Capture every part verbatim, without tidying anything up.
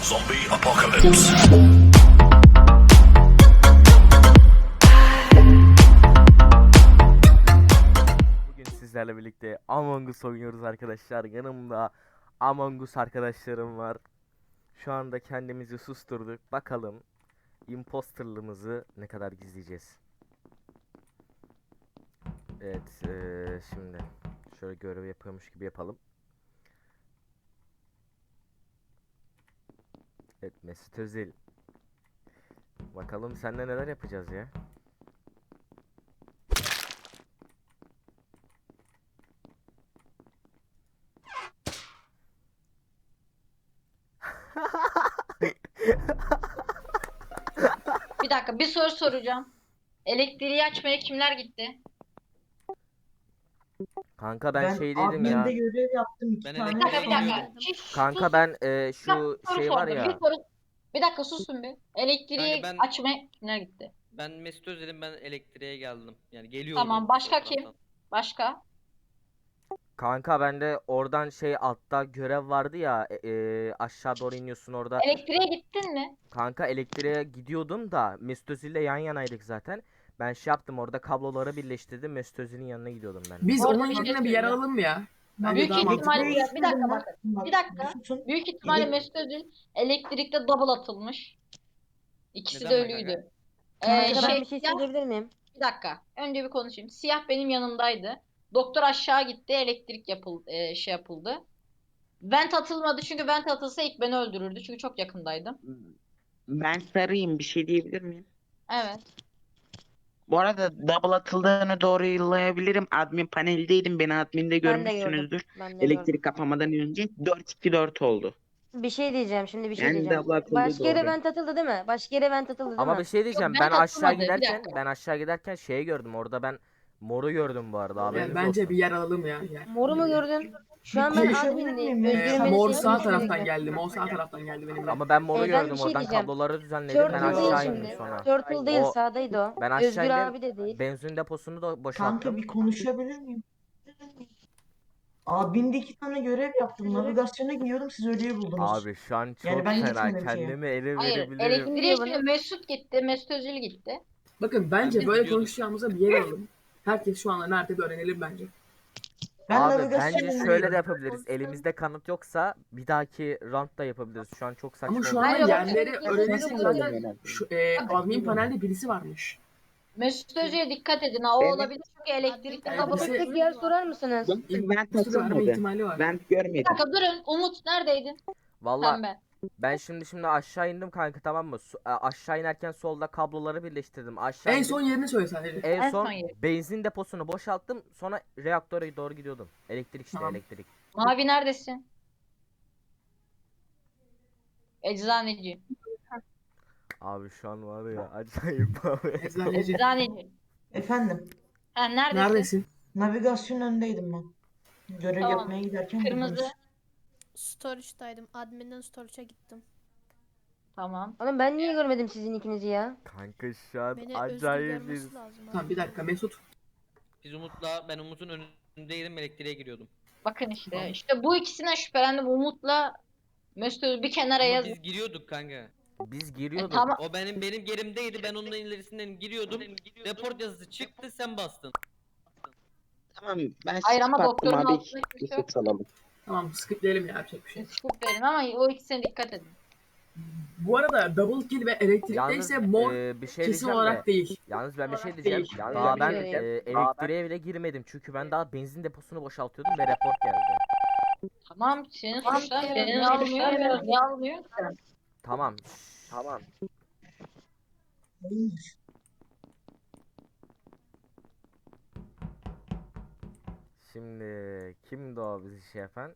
Zombie apocalypse. Bugün sizlerle birlikte Among Us oynuyoruz arkadaşlar. Yanımda Among Us arkadaşlarım var. Şu anda kendimizi susturduk. Bakalım imposterlığımızı ne kadar gizleyeceğiz. Evet, eee, şimdi şöyle görev yapıyormuş gibi yapalım. Evet, Mesut Özil. Bakalım seninle neler yapacağız ya. Bir dakika bir soru soracağım. Elektriği açmaya kimler gitti? Kanka ben, Ben şeydeydim ya. adminde görev yaptım iki Ben tane. Bir dakika bir dakika. Geliyorum. Şiş, Kanka sus. ben eee, Bir şu dakika, soru şey var sordum. ya. Bir soru. Bir dakika susun bir. Elektriği Kanka ben- açmaya kimler gitti? Ben Mesut Özil'im, ben elektriğe geldim. Yani geliyorum. Tamam başka o kim? taraftan. Başka? Kanka bende oradan şey altta görev vardı ya, e, e, aşağı doğru iniyorsun orada. Elektriğe gittin mi? Kanka elektriğe gidiyordum da Mesut Özil'le yan yanaydık zaten. Ben şey yaptım, orada kabloları birleştirdim, Mesut Özil'in yanına gidiyordum ben de. Biz Orada onun bir şey yerine bir yer söyleyeceğim. alalım mı ya? Bence Büyük daha mantıklı ihtimalle olur. bir dakika Ben- bakın. Bak, Bir dakika. susun. Büyük ihtimalle Elek- Mesut Özil elektrikte double atılmış. İkisi Neden de be kanka? ölüydü. Ee, Kanka, şey, Ben bir şey siyah- söyleyebilir miyim? bir dakika. Önce bir konuşayım. Siyah benim yanımdaydı. Doktor aşağı gitti. Elektrik yapıldı, e, şey yapıldı. Vent atılmadı çünkü vent atılsa ilk beni öldürürdü. Çünkü çok yakındaydım. Ben sarıyım, bir şey diyebilir miyim? Evet. Bu arada double atıldığını doğru yollayabilirim. Admin paneldeydim. Beni adminde Ben de gördüm. görmüşsünüzdür. Ben de Elektrik gördüm. kapamadan önce dört iki dört oldu. Bir şey diyeceğim şimdi bir şey Yani diyeceğim. double atıldı, Başka yere doğru. vent atıldı değil mi? Başka yere vent atıldı değil Ama mi? bir şey diyeceğim, Yok, ben ben aşağı atılmadı, bir giderken dakika. ben aşağı giderken şeyi gördüm, orada ben moru gördüm bu arada, haberiniz Yani bence olsun. bir yer alalım ya. Yani. Moru mu gördün? Şu an Bir ben konuşabilir admindeyim. miyim ya? Ee, Özgür'ün beni mor sesini sağ duymak taraftan gerekiyor. geldi. Mor sağ taraftan geldi benimle. Ama ben moru Ee, ben bir gördüm, şey oradan diyeceğim. kabloları düzenledim, ben Turtle değil aşağı indim şimdi. sonra. Turtle değil O- sağdaydı o. Ben aşağı Özgür indim, abi de değil. benzin deposunu da Kanka boşalttım. bir konuşabilir miyim? Adminde iki tane görev yaptım. Navigasyona gidiyordum, siz ölüyü buldunuz. Abi şu an çok Yani ben fena, gitmedim şeye. kendimi ele Hayır. verebilirim. Elektriğe Diyor şimdi bana. Mesut gitti. Mesut Özil gitti. Bakın bence Biz böyle gidiyorduk. konuşacağımıza bir yer alalım. Herkes şu anda nerede bir öğrenelim bence. Ben Abi navigasyona bence şöyle de gidiyorum. yapabiliriz. Elimizde kanıt yoksa bir dahaki roundda yapabiliriz. Şu an çok saçma Ama şu oldu. an Bence yerleri bakın, öğrenirsek bakın, zaten şu, e, admin panelde birisi varmış. Mesut Özil'e dikkat edin. Ha, o Evet. olabilir çünkü elektrikte Evet, double bir şey- Tek tek yer sorar mısınız? Vent Üstü verme atılmadı. ihtimali var. Vent Bir görmedim. dakika durun. Umut neredeydin? Valla Pembe. ben şimdi şimdi aşağı indim kanka, tamam mı? Su- a- aşağı inerken solda kabloları birleştirdim. Aşağı En indim. son yerini söyle sadece. En En son son yeri. benzin deposunu boşalttım. Sonra reaktöre doğru gidiyordum. Elektrik işte, Tamam. elektrik. Mavi neredesin? Eczaneci. Abi şu an var ya, acayip abi. Eczaneci. Eczaneci. Efendim, Ha, neredesin? Neredesin? navigasyon önündeydim ben. Görev Tamam. yapmaya giderken Kırmızı. buldunuz. Storage'daydım. Admin'den storage'a gittim. Tamam. Oğlum ben niye görmedim sizin ikinizi ya? Kanka şu an Beni Özgür acayip bir... görmesi lazım. abi. Tamam bir dakika Mesut. Biz Umut'la, ben Umut'un önündeydim, elektriğe giriyordum. Bakın işte. İşte bu ikisinden şüphelendim. Umut'la Mesut Özil bir kenara Ama yaz. biz giriyorduk kanka. Biz E, giriyorduk. tamam. O benim benim gerimdeydi, ben onun ilerisinden giriyordum. Report yazısı çıktı, sen bastın. Tamam, ben Hayır ama skip attım doktorun abi. altında kimse yok. Yusuf salalım. Tamam skipleyelim ya, yapacak bir şey. Scoop verin ama o ikisine dikkat edin. Bu arada double kill ve elektrikteyse Yalnız mor e, bir şey kesin diyeceğim olarak de. değil. Yalnız ben bir şey Olarak diyeceğim. değil. Yalnız Daha ben ben bir e, şey elektriğe bile girmedim. Çünkü ben daha benzin deposunu boşaltıyordum ve report geldi. Tamam senin suçlar beni almıyor. Niye almıyor ki? Tamam. Tamam. Şimdi kimdi o bizi şey yapan?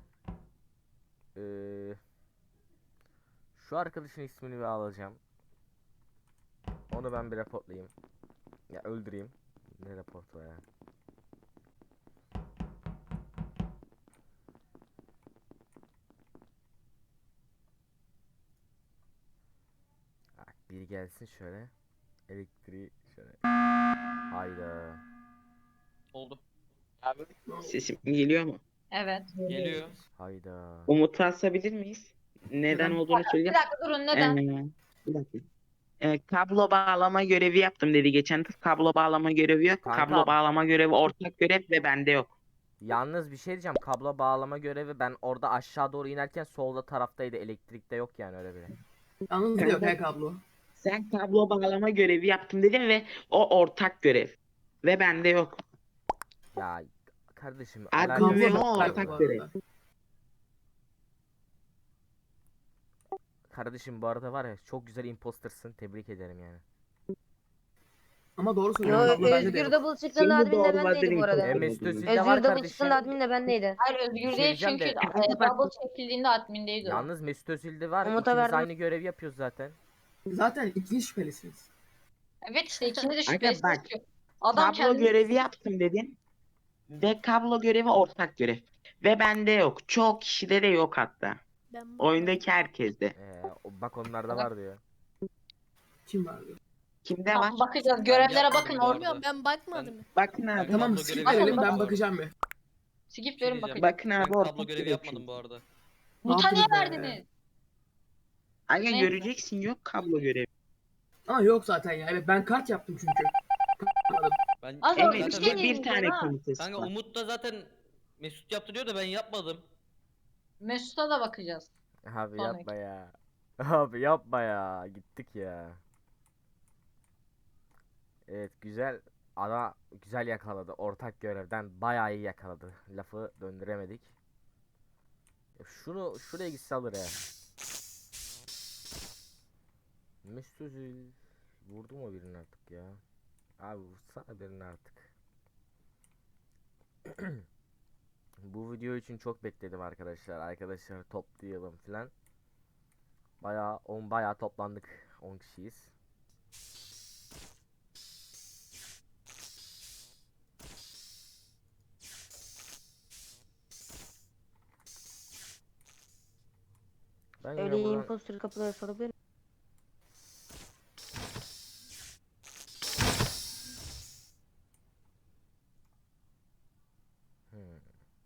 Ee, şu arkadaşın ismini bir alacağım. Onu ben bir reportlayayım. Ya öldüreyim. Ne reportu ya? Bak, biri gelsin şöyle. Elektriği şöyle. Hayda. Oldu. Sesim geliyor mu? Evet. Geliyor. Hayda. Umut'u asabilir miyiz? Neden Neden? olduğunu Bir söyleyeceğim. dakika durun neden? Ee, bir dakika. Ee, kablo bağlama görevi yaptım dedi geçen kız. Kablo bağlama görevi yok. Kanka. Kablo bağlama görevi ortak görev ve bende yok. Yalnız bir şey diyeceğim. Kablo bağlama görevi ben orada aşağı doğru inerken solda taraftaydı. Elektrikte yok yani öyle biri. Yalnız yok he kablo. Sen kablo bağlama görevi yaptım dedin ve o ortak görev. Ve bende yok. Ya kardeşim Admin alakası ve yok o bu ortak arada. görev. Kardeşim bu arada var ya çok güzel impostersın. Tebrik ederim yani. Ama doğru Yo söylüyorsun kablo bende de Özgür yok. Double çıktığında Şimdi admin de doğruladın bendeydi bu arada. E, imposter Mesut olduğunu. Özil de var Özgür Double kardeşim. çıktığında admin de bendeydi. Hayır Bir Özgür şey değil diyeceğim çünkü de- e, double çekildiğinde admindeydi o. Yalnız Mesut Özil de var. Umut'a İkimiz verdim. aynı görevi yapıyoruz zaten. Zaten ikiniz şüphelisiniz. Evet işte ikiniz de Aga şüphesiz bak, ki. Adam Kablo kendini görevi yaptım dedin. Ve kablo görevi ortak görev. Ve bende yok. Çok kişide de yok hatta. Ben Oyundaki herkeste. Ee, o- bak onlarda var diyor. Kim vardı? Kimde var? Tamam, bakacağız. Görevlere yapmadım bakın bu orada. arada. bilmiyorum ben bakmadım. Bakın abi. Ben Tamam kablo skip görevi verelim ben yapmadım. bakacağım bir. Skip Bir şey verin diyeceğim. bakacağız. Bakın abi Ben ortak kablo görevi görev yapmadım çünkü. bu arada. Muta niye yaptınız be? verdiniz? Aga Ne? göreceksin yok kablo görevi. Ama yok zaten ya. Evet ben kart yaptım çünkü. Anladım. Ben Az Evet önce bir zaten şey ve bir diyeyim tane ha. komitesi kanka var. Umut da zaten Mesut yaptı diyor da ben yapmadım. Mesut'a da bakacağız. Abi Sonraki. yapma ya. Abi yapma ya. Gittik ya. Evet güzel. Ada güzel yakaladı. Ortak görevden bayağı iyi yakaladı. Lafı döndüremedik. Ya Şunu şuraya gitse alır ya. Mesut Özil vurdu mu birini artık ya? Abi vursana birini artık. Bu video için çok bekledim arkadaşlar. Arkadaşlar toplayalım filan. Bayağı on bayağı toplandık. on kişiyiz. Ben yine Öyle buradan imposter kapıları sorabilir miyim? Hmm.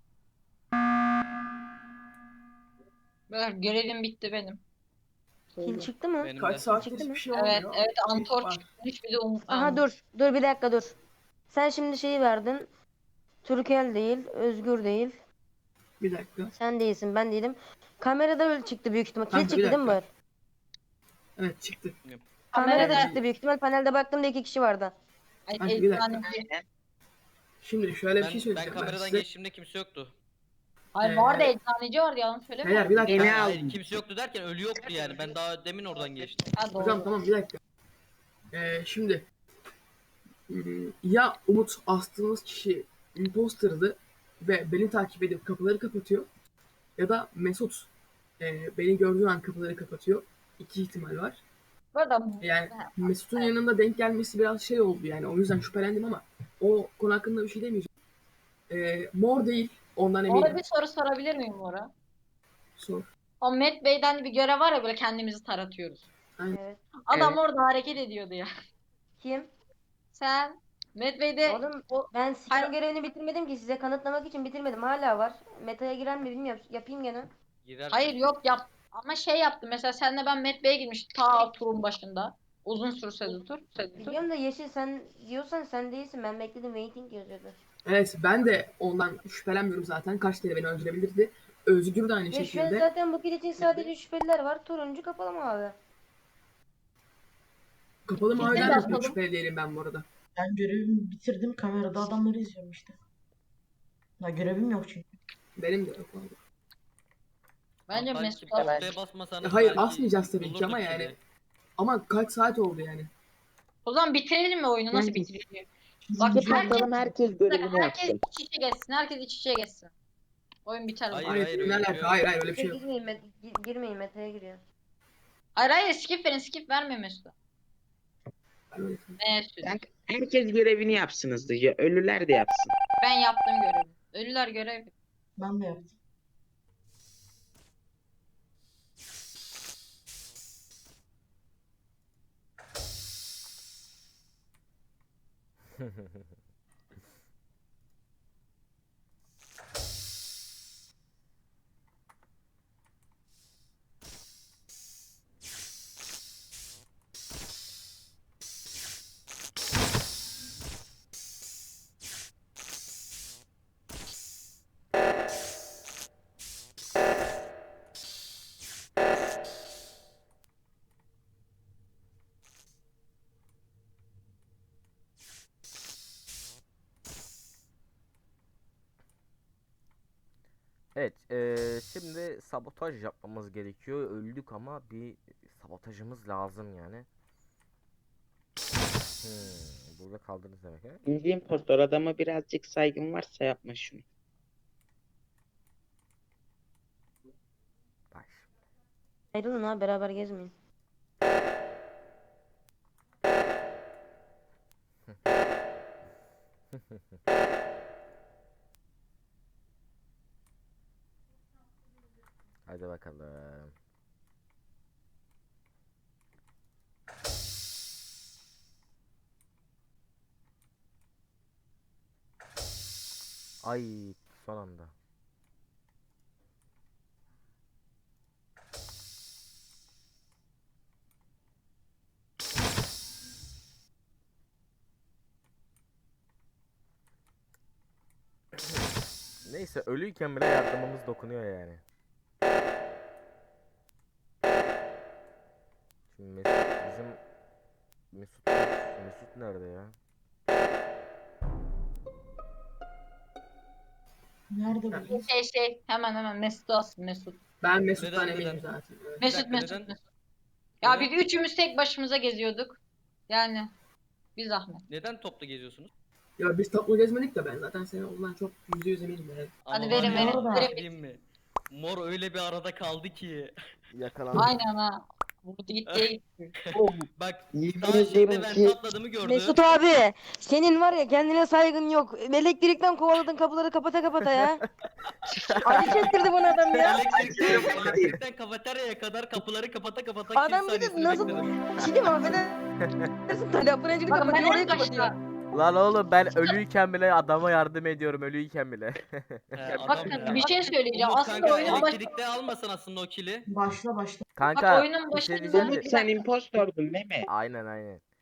Beyler görevim bitti benim. Kim çıktı mı? Benim Kaç de. saattir Çıktı mı? hiçbir şey Evet olmuyor. evet Antor Var. çıkmış bir de Umut. Aha dur. Dur bir dakika dur. Sen şimdi şeyi verdin. Türkel değil, Özgür değil. Bir dakika. Sen değilsin, ben değilim. Kamerada öyle çıktı büyük ihtimal. Kill Kanka, bir çıktı değil mi bu? dakika. Evet çıktı. Kamerada Kamerada- çıktı büyük ihtimal. Panelde baktığımda iki kişi vardı. Ay, Kanka, bir dakika. eczaneci. Şimdi şöyle bir Ben, şey ben söyleyeceğim ben kameradan size. geçtiğimde kimse yoktu. Hayır Ee, vardı eczaneci vardı yalan söyleme. Beyler bir dakika. Beni Hayır, al. hayır, kimse yoktu derken ölü yoktu yani. Ben daha demin oradan geçtim. Ha, doğru. Hocam tamam bir dakika. Ee, şimdi hmm, ya Umut astığınız kişi imposter'dı ve beni takip edip kapıları kapatıyor ya da Mesut e, beni gördüğü an kapıları kapatıyor. İki ihtimal var. Bu arada Yani Mesut'un yanında denk gelmesi biraz şey oldu yani o yüzden şüphelendim ama o konu hakkında bir şey demeyeceğim. Ee, mor değil ondan orada eminim. bir soru sorabilir miyim Bora? Sor. O Matt Bey'den bir görev var ya böyle kendimizi taratıyoruz. Evet. Adam Evet. orada hareket ediyordu ya. Kim? Sen Matt Bey'de Oğlum o ben Hayır. skin görevini bitirmedim ki size kanıtlamak için bitirmedim. Hala var. Meta'ya girer mi bilmiyorum. Yapayım gene. Girer. hayır yok yap ama şey yaptı mesela senle ben Matt Bey'e girmiştik ta turun başında. Uzun sürse de tur. sürse de tur. Biliyorum da Yeşil sen diyorsan sen değilsin. Ben bekledim waiting yazıyordu. Evet ben de ondan şüphelenmiyorum zaten. Kaç kere beni öldürebilirdi. Özgür de aynı Ve şu an şekilde. zaten bu kill için sadece şüpheliler var. Turuncu kapalı mı abi? Kapalı Biz de maviden de yapalım. pek şüpheli değilim ben bu arada. Ben görevimi bitirdim. Kamerada adamları izliyorum işte. Ya görevim yok çünkü. Benim de yok vallahi. Bence Belki Mesut postaya alır. basmasanız Ya hayır, belki asmayacağız tabii ki bulurduk ama yine. yani. Ama kaç saat oldu yani? O zaman bitirelim mi oyunu? Nasıl Bence- bitirelim? Bak Skip herkes, atalım herkes görevini herkes yapsın. iç içe geçsin. Herkes iç içe geçsin. Oyun biter o Hayır, zaman. Hayır, hayır, ne öyle bir şey alaka? yok. Hayır hayır öyle bir şey yok. Girmeyin, Met- gi- girmeyin Meta'ya giriyor. Hayır hayır skip verin skip verme Mesut'a. Ben öyle- Mesut. Kanka, herkes görevini yapsın hızlıca. Ölüler de yapsın. Ben yaptım görevi. Ölüler görev. Ben de yaptım. Evet, eee, şimdi sabotaj yapmamız gerekiyor. Öldük ama bir sabotajımız lazım yani. Hmm, burada kaldınız demek ha? İkinci impostor, adama birazcık saygın varsa yapma şunu. Bak. Ayrılın ha, beraber gezmeyin. Hadi bakalım. Ay, son anda. Neyse, ölüyken bile yardımımız dokunuyor yani. Şimdi Mesut, bizim Mesut Mesut nerede ya? Nerede bu? Şey şey hemen hemen Mesut alsın Mesut. Ben Mesut'tan Neden, eminim neden? zaten. Evet. Mesut dakika, Mesut neden? Mesut. Ya Neden? biz üçümüz tek başımıza geziyorduk. Yani bir zahmet. Neden toplu geziyorsunuz? Ya biz toplu gezmedik de ben zaten seni ondan çok yüzde yüz eminim yani. Hadi Ama var verin, ya, verin, bir şey verin. diyeyim mi? Mor öyle bir arada kaldı ki. Yakalandı. Aynen ha. Vurdu gitti gitti. Bak Yemin daha şimdi ederim ben ki atladığımı gördü. Mesut abi, senin var ya kendine saygın yok. Elektrikten kovaladın kapıları kapata kapata ya. Acı çektirdi bana adam ya. Elektrikten, elektrikten kafeteryaya kadar kapıları kapata kapata Adam kill bir de saniyesini nasıl... bekledim. Bir şey diyeyim mi? Affedersin. Tane fırıncılık Bakın ben kapatıyor, orayı en kapatıyor. başta. Lan oğlum, ben ölüyken bile adama yardım ediyorum, ölüyken bile. He, adam Bakın ya. bir şey söyleyeceğim. Umut Aslında kanka oyunun baş... elektrikte almasın aslında o kili. Başla başla. Kanka, oyunun bir şey başında- diyeceğim de- Umut sen impostordun değil mi? Aynen aynen.